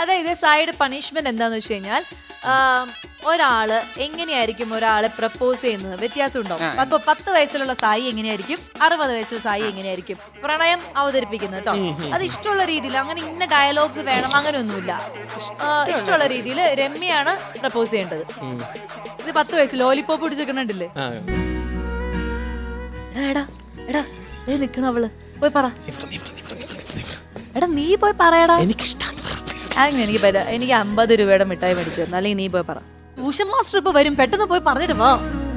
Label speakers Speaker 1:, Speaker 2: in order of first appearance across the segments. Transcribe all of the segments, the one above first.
Speaker 1: അതായത് side punishment എന്താന്ന് വെച്ച് കഴിഞ്ഞാൽ ഒരാള് എങ്ങനെയായിരിക്കും ഒരാളെ പ്രപ്പോസ് ചെയ്യുന്നത് വ്യത്യാസം ഉണ്ടാവും. അപ്പൊ 10 വയസ്സിലുള്ള സായി എങ്ങനെയായിരിക്കും, 60 വയസ്സിലുള്ള സായി എങ്ങനെയായിരിക്കും പ്രണയം അവതരിപ്പിക്കുന്നത് കേട്ടോ. അത് ഇഷ്ടമുള്ള രീതിയിൽ, അങ്ങനെ ഇന്ന ഡയലോഗ്സ് വേണം അങ്ങനെയൊന്നുമില്ല. ഇഷ്ടമുള്ള രീതിയിൽ രമ്യയാണ് പ്രപ്പോസ് ചെയ്യേണ്ടത്. ഇത് 10 വയസ്സ് ലോലിപോപ്പ് പിടിച്ചിരിക്കണില്ലേ? എടാ എടാ നിക്കണ അവള്, പോയി പറ. എടാ നീ പോയി പറയടാ. എനിക്ക് പറ്റാ, എനിക്ക് 50 രൂപയുടെ മിഠായി മേടിച്ചു തന്നു, അല്ലെങ്കിൽ നീ പോയി പറ. ട്യൂഷൻ മാസ്റ്റർ ഇപ്പൊ വരും, പെട്ടെന്ന് പോയി പറഞ്ഞിട്ട് പോ.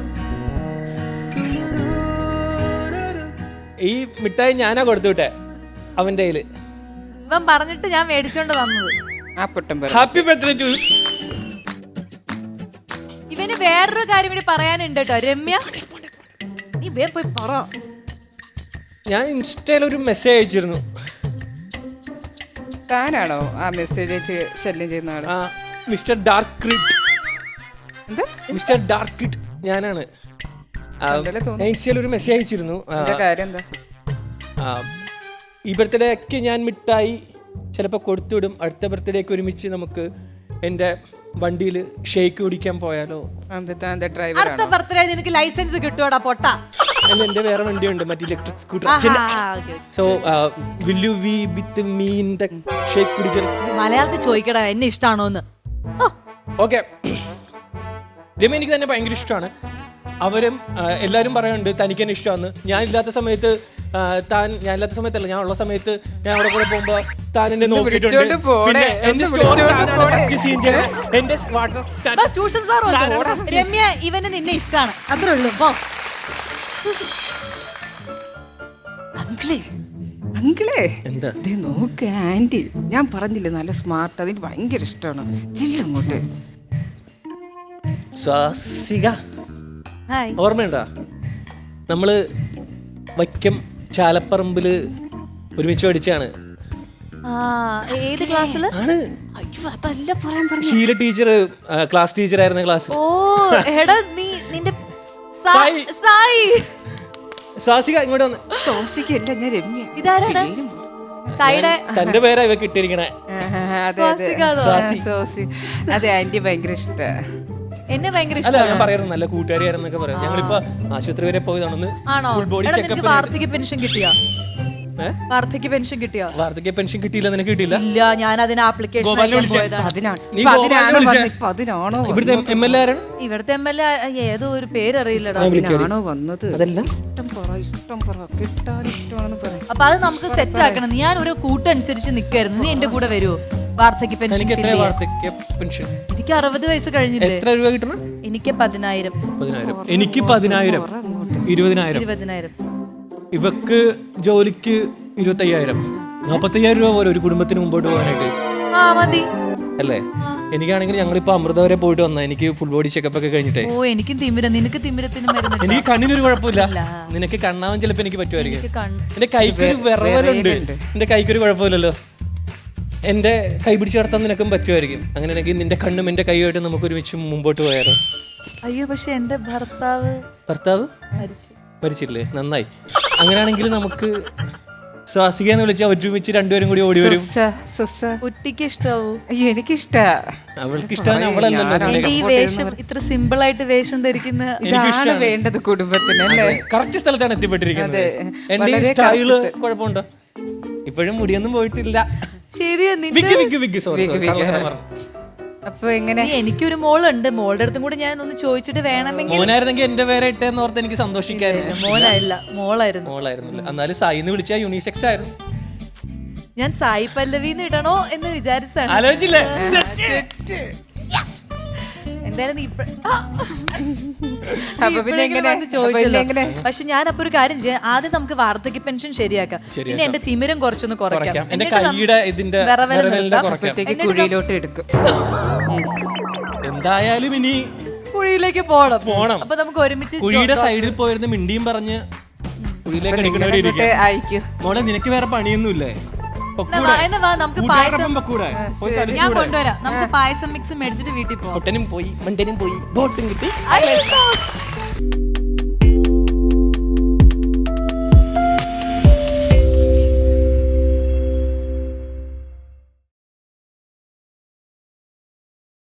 Speaker 2: ഈ മിഠായി ഞാനാ കൊടുത്തു വിട്ടെ അവന്റെ കയ്യില്.
Speaker 1: ഇവൻ പറഞ്ഞിട്ട് ഞാൻ മേടിച്ചോണ്ട് തന്നത്.
Speaker 2: Happy birthday too.
Speaker 1: ഇവന് വേറൊരു കാര്യം കൂടി പറയാനുണ്ട് കേട്ടോ. രമ്യ നീ പോയി പറ.
Speaker 2: ഞാൻ ഇൻസ്റ്റയിൽ ഒരു മെസ്സേജ് അയച്ചിരുന്നു.
Speaker 3: താനാണോ ആ മെസ്സേജ് അയച്ച് ശല്യം ചെയ്യുന്ന ആള്?
Speaker 2: Mister dark kid. Mister dark kid ഞാനാണ്. ഞാൻ ഇൻസ്റ്റയിൽ ഒരു മെസ്സേജ് അയച്ചിരുന്നു.
Speaker 3: കാര്യം എന്താ?
Speaker 2: ഈ ബർത്ത്ഡേക്ക് ഞാൻ മിഠായി ചിലപ്പോൾ കൊടുത്തുവിടും. അടുത്ത ബർത്ത്ഡേക്ക് ഒരുമിച്ച് നമുക്ക് എൻ്റെ വണ്ടിയിൽ ഷേക്ക് കുടിക്കാൻ പോയാലോ?
Speaker 1: അടുത്ത ബർത്ത്ഡേ നിനക്ക് ലൈസൻസ് കിട്ടുവാടാ പൊട്ട.
Speaker 2: അല്ല, എൻ്റെ വേറെ വണ്ടിയുണ്ട്, മറ്റേ electric scooter. So will you be with me in the shake കുടിക്കാൻ?
Speaker 1: മലയാളത്തിൽ ചോദിക്കടാ എന്നെ ഇഷ്ടാണോന്ന്.
Speaker 2: ഓക്കെ, രമ്യ എനിക്ക് തന്നെ ഭയങ്കര ഇഷ്ടമാണ്. അവരും എല്ലാവരും പറയുന്നുണ്ട് തനിക്ക് തന്നെ ഇഷ്ടമാണ്. ഞാനില്ലാത്ത സമയത്ത് ഞാനില്ലാത്ത സമയത്തല്ല, ഞാൻ ഉള്ള സമയത്ത് ഞാൻ അവിടെ കൂടെ പോകുമ്പോ താൻ എന്നെ നോക്കിയിട്ടുണ്ട്. പിന്നെ എന്റെ സ്റ്റോറി ഫസ്റ്റ് സീൻ ചെയ്യണം. എന്റെ വാട്സ്ആപ്പ് സ്റ്റാറ്റസ്.
Speaker 1: രമ്യ ഇവന് നിന്നെ ഇഷ്ടാണ്, അത്രേ ഉള്ളൂ.
Speaker 3: അങ്കിളേ എന്താ നോക്ക് ആന്റി, ഞാൻ പറഞ്ഞില്ലേ നല്ല സ്മാർട്ട്, അതിന് ഭയങ്കര ഇഷ്ടമാണ്. ജില്ലങ്ങോട്ട്
Speaker 2: സ്വാസിക, ഓർമ്മയുണ്ടാ നമ്മള് വൈക്കം ചാലപ്പറമ്പില് ഒരുമിച്ച് പഠിച്ചാണ്.
Speaker 1: ഏത് ക്ലാസ്സില്?
Speaker 3: അതല്ല പറയാൻ പറഞ്ഞു.
Speaker 2: ഷീല ടീച്ചർ ക്ലാസ് ടീച്ചർ ആയിരുന്ന ക്ലാസ്.
Speaker 1: ഓ എടാ നീ നിന്റെ സായി.
Speaker 2: സ്വാസിക ഇങ്ങോട്ട് വന്ന്.
Speaker 3: സ്വാസികല്ല, ഞാൻ രമ്യ.
Speaker 1: ഇതാരാണ്? സായിയുടെ
Speaker 2: തന്റെ പേരാ ഇവ കിട്ടിയിരിക്കണേ.
Speaker 3: അതെ, ആന്റി ഭയങ്കര ഇഷ്ട.
Speaker 1: എന്നെ ഭയങ്കര
Speaker 2: അല്ല, ഞാൻ പറയാറുണ്ട് നല്ല കൂട്ടുകാരിയായിരുന്നൊക്കെ പറയാം. ഞങ്ങളിപ്പോ ആശുപത്രി വരെ പോയതാണെന്ന്. Full body checkup.
Speaker 1: വാർദ്ധക്യ പെൻഷൻ കിട്ടിയോ? വാർദ്ധക്യ പെൻഷൻ കിട്ടിയോ?
Speaker 2: വാർദ്ധക്യ പെൻഷൻ കിട്ടിയില്ല. നിനക്ക് കിട്ടിയില്ല?
Speaker 1: ഇല്ല, ഞാൻ അതിന് ആപ്ലിക്കേഷൻ
Speaker 2: ഇവിടുത്തെ എം എൽ എ ആരാണ്?
Speaker 1: ഇവിടുത്തെ എം എൽ എ ഏതോ ഒരു പേരറിയില്ലടാ.
Speaker 3: വന്നത്.
Speaker 1: അപ്പൊ അത് നമുക്ക് സെറ്റ് ആക്കണം. ഞാൻ ഒരു കൂട്ടനുസരിച്ച് നിക്കായിരുന്നു. നീ എന്റെ കൂടെ വരുമോ? വാർദ്ധക്യ പെൻഷൻ. എനിക്ക് 60 വയസ്സ് കഴിഞ്ഞില്ലേ?
Speaker 2: എത്ര രൂപ കിട്ടണം?
Speaker 1: എനിക്ക് 10,000.
Speaker 2: എനിക്ക് 10,000. 20,000. ഇവക്ക് ജോലിക്ക് 25,000. 45,000 രൂപ പോലെ ഒരു കുടുംബത്തിന് മുമ്പോട്ട് പോകാനായിട്ട്
Speaker 1: മതി
Speaker 2: അല്ലേ? എനിക്കാണെങ്കിൽ ഞങ്ങളിപ്പോ അമൃത വരെ പോയിട്ട് വന്ന, എനിക്ക് ഫുൾ ബോഡി ചെക്കപ്പ് ഒക്കെ കഴിഞ്ഞിട്ടേ.
Speaker 1: ഓ എനിക്ക് തിമിരം. നിനക്ക് തിമിരത്തിന് മരുന്ന്?
Speaker 2: എനിക്ക് കണ്ണിനൊരു കുഴപ്പമില്ല. നിനക്ക് കണ്ണാവാൻ ചിലപ്പോ എനിക്ക് പറ്റുമായിരിക്കും. എന്റെ കൈക്കൊരു വിറവലുണ്ട്. എന്റെ കൈക്കൊരു കുഴപ്പമില്ലല്ലോ. എന്റെ കൈ പിടിച്ച് നടത്താൻ നിനക്കും പറ്റുമായിരിക്കും. അങ്ങനെയാണെങ്കിൽ നിന്റെ കണ്ണും എന്റെ കൈയുമായിട്ട് നമുക്ക് ഒരുമിച്ച് മുമ്പോട്ട് പോയാലോ?
Speaker 1: അയ്യോ, പക്ഷെ എന്റെ ഭർത്താവ്
Speaker 2: മരിച്ചില്ലേ? നന്നായി. അങ്ങനെയാണെങ്കിൽ നമുക്ക് സ്വാസിക എന്ന് വിളിച്ചാൽ ഒരുമിച്ച് രണ്ടുപേരും കൂടി ഓടി വരും.
Speaker 1: കുട്ടിക്ക് ഇഷ്ടാവൂ?
Speaker 3: അയ്യോ എനിക്കിഷ്ട.
Speaker 2: അവൾക്ക് ഇഷ്ടമാണ്. അവളല്ലോ
Speaker 1: ഈ വേഷം ഇത്ര സിമ്പിൾ ആയിട്ട് വേഷം ധരിക്കുന്ന
Speaker 3: ഇതാണ് വേണ്ടത് കുടുംബത്തിന് അല്ലേ?
Speaker 2: കറക്റ്റ് സ്ഥലത്താണ് എത്തിപ്പെട്ടിരിക്കുന്നത്. എന്റെ ഈ സ്റ്റൈല് കുഴപ്പമുണ്ടോ? ഇപ്പോഴും മുടിയൊന്നും പോയിട്ടില്ല.
Speaker 1: ശരിയാ.
Speaker 3: അപ്പൊ എങ്ങനെ?
Speaker 1: എനിക്കൊരു മോളുണ്ട്. മോളുടെ അടുത്തും കൂടി ഞാൻ ഒന്ന് ചോദിച്ചിട്ട് വേണമെങ്കിൽ.
Speaker 2: മോനായിരുന്നെങ്കിൽ എന്റെ പേരെ ഇട്ടെന്ന് ഓർത്ത് എനിക്ക് സന്തോഷിക്കായിരുന്നു.
Speaker 1: മോനായില്ല, മോളായിരുന്നു.
Speaker 2: എന്നാലും സായിന്ന് വിളിച്ചാ യൂണിസെക്സ് ആയിരുന്നു.
Speaker 1: ഞാൻ സായി പല്ലവിന്ന് ഇടണോ എന്ന് വിചാരിച്ചാണ്.
Speaker 2: ആലോചിച്ചില്ലേ?
Speaker 1: എന്തായാലും
Speaker 2: ചോദിച്ചല്ലോ.
Speaker 1: പക്ഷെ ഞാൻ അപ്പൊ ഒരു കാര്യം ചെയ്യാം. ആദ്യം നമുക്ക് വാർദ്ധക്യ പെൻഷൻ ശരിയാക്കാം. പിന്നെ എന്റെ തിമിരം കുറച്ചൊന്ന് കുറയ്ക്കാം.
Speaker 3: കുഴിയിലോട്ട് എടുക്കും.
Speaker 2: എന്തായാലും ഇനി
Speaker 1: കുഴിയിലേക്ക് പോണം. അപ്പൊ നമുക്ക് ഒരുമിച്ച്
Speaker 2: കുഴിയുടെ സൈഡിൽ പോയിരുന്ന് മിണ്ടിയും പറഞ്ഞ് കുഴിയിലേക്ക് എടുക്കണവരിക്കും. മോളെ നിനക്ക് വേറെ പണിയൊന്നുമില്ലേ?
Speaker 1: നമുക്ക് പായസം ഞാൻ കൊണ്ടുവരാം. നമുക്ക് പായസം മിക്സ് മേടിച്ചിട്ട് വീട്ടിൽ പോകാം.
Speaker 2: പോയി ബോട്ടും കിട്ടി.